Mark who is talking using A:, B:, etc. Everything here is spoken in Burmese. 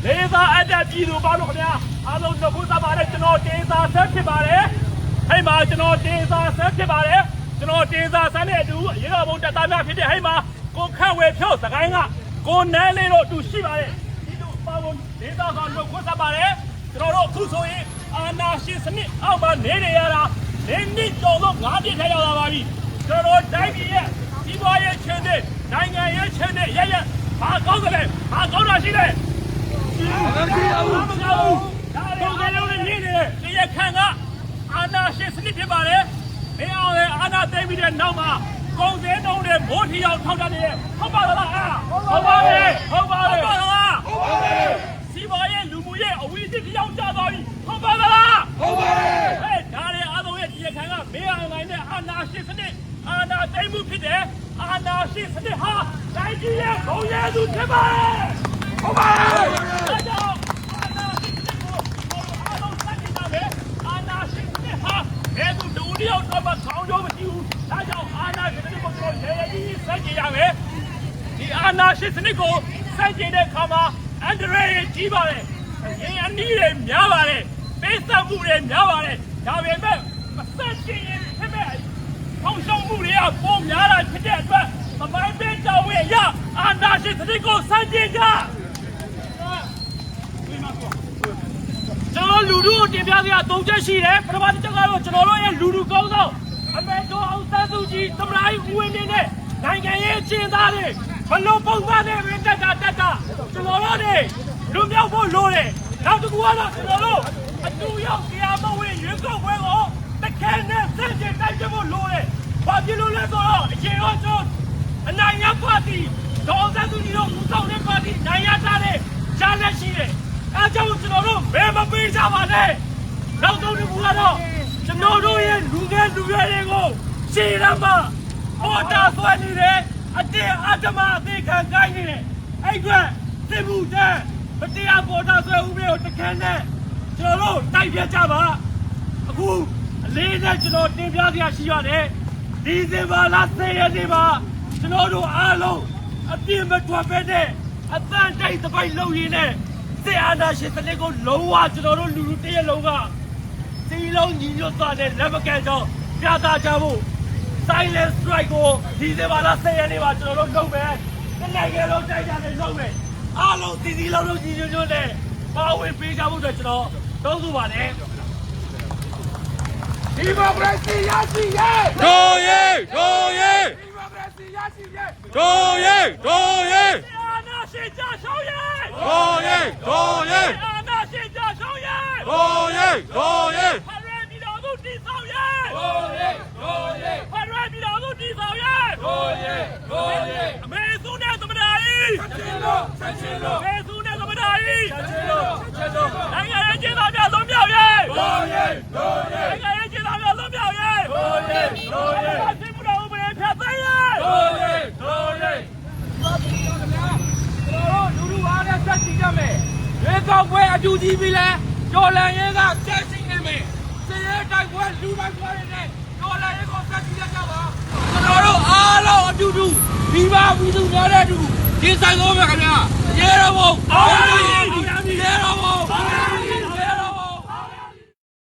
A: Laser at the Pido Balonia, I don't know who's about it, days are certified. Hey, Marginal days are certified. Days are Sunday, do you know about the time after the Hema? Go come with shows, the Ganga. Go Nelly to Shiva. Days are on the what's about it. Toro Kusoi, and now she's about Nediara. Then need to look at the Helavari. Toro Davia, Iboya Chende, Nanga Chende, Yaya, Margothe, Margothe Shide. Anna, she's sleeping about it. They are Anna David and Nama. Go there, no, they're more here. How about it? How about it? See my end, Lumuye, we did the young Jabari. How about it? Hey, Daddy, other way, you can have me and Anna, she's in it. Anna, they move it there. Anna, she's in it. Nigeria, go there to Timber. Lulu, Divya, don't just see it. But about the General Lulu goes out. I met Suji, the right win in it. နိုင်ငံရေးကျင်းသားတွေဘလို့ပုံစံနဲ့ပဲတက်တာကျွန်တော်တို့တွေလူမြောက်ဖို့လိုတယ်နောက်တစ်ခုကတော့ကျွန်တော်တို့အတူရောက်တရားမဝင်ရွေးကောက်ပွဲကိုတခဲနဲ့စက်ကျင်တိုက်ဖို့လိုတယ်ဘာဖြစ်လို့လဲဆိုတော့အချိန်တော့ကျွန်တော်အနိုင်ရပါတီဒေါ်စံသူကြီးတို့ဦးဆောင်တဲ့ပါတီနိုင်ရတာလေရှားလက်ရှိတယ်အဲကြောင့်ကျွန်တော်တို့ဘယ်မပေးကြပါနဲ့နောက်ဆုံးတစ်ခုကတော့ကျွန်တော်တို့ရဲ့လူငယ်လူရွယ်တွေကိုရှေ့ရမှာပေါ်တာဆွဲနေတယ်အတင်းအဓမ္မအသေးခံကိုင်းနေတယ်အဲ့ကွစစ်မှုတန်းမတရားပေါ်တာဆွဲဥပဒေကိုတခဲနဲ့ကျွန်တော်တို့တိုက်ပြကြပါအခုအလေးနဲ့ကျွန်တော်တင်ပြစရာရှိရတယ်ဒီဇင်ဘာလ10ရက်နေ့မှာကျွန်တော်တို့အားလုံးအပြည့်မထွက်ပဲနဲ့အသံတိုက်သပိတ်လုပ်ရင်းနဲ့စစ်အာဏာရှင်စနစ်ကိုလုံးဝကျွန်တော်တို့လူလူတရက်လုံးကစီလုံးညီညွတ်သွားတဲ့လက်မကန်ကြောင်းပြသကြဖို့Silent strike ကိုဒီဇင်ဘာလ10ရက်နေ့မှာကျွန်တော်တို့လုပ်မယ်။နိုင်ငံလုံးတိုက်ကြတယ်လုပ်မယ်။အားလုံးစီစီလုံးလုံးကြီးညွတ်ညွတ်နဲ့ပါဝင်ပေးကြဖို့အတွက်ကျွန်တော်တောင်းဆိုပါတယ်။ဒီမိုကရေစီရရှိရဲ့။
B: တို့ရဲ့
A: ဒီမိုကရေစီရရှိရဲ့။
B: တို့ရဲ့
A: အာဏာရှင်ကြဆောင်ရဲ့။
B: တို့ရဲ့
A: အာဏာရှင်ကြဆောင်ရဲ့။
B: တို့ရဲ့
A: ဖရယ်ပြည်တော်စုတည်ဆောက်ရဲ့။ဖရယ်ပြည်တော်စုတည်ဆောက်ရဲ့။အမေစုနဲ့သမ္မတကြီး
B: ဆက်ချင်းလို့
A: အမေစုနဲ့သမ္မတကြီးနိုင်ငံရေးကျင်းသားများလုံးမြောက်ရဲ့နိုင်ငံရေးကျင်းသားများလုံးမြောက်ရဲ့စစ်မှုတော်ဥပဒေဖြတ်သိမ်းရဲ့လူလူအားနဲ့ဆက်ကြည့်ကြမယ်ရွေးကောက်ပွဲအတူကြီးပြီလဲကျော်လန်ရဲကဆက်ရှိနေမယ်စစ်ရဲတိုက်ပွဲလူတိုက်ပွဲတွေနဲ့ကျော်လန်ရဲကိုဆက်ကြည့်ကြပါကျွန်တော်တို့အားလုံးအတူတူဒီပါပြည်သူများတဲ့အတူဒီဆိုင်ကောင်းပဲခင်ဗျာရဲတော်ဘုံအောင်ရမည်ရဲတော်ဘုံ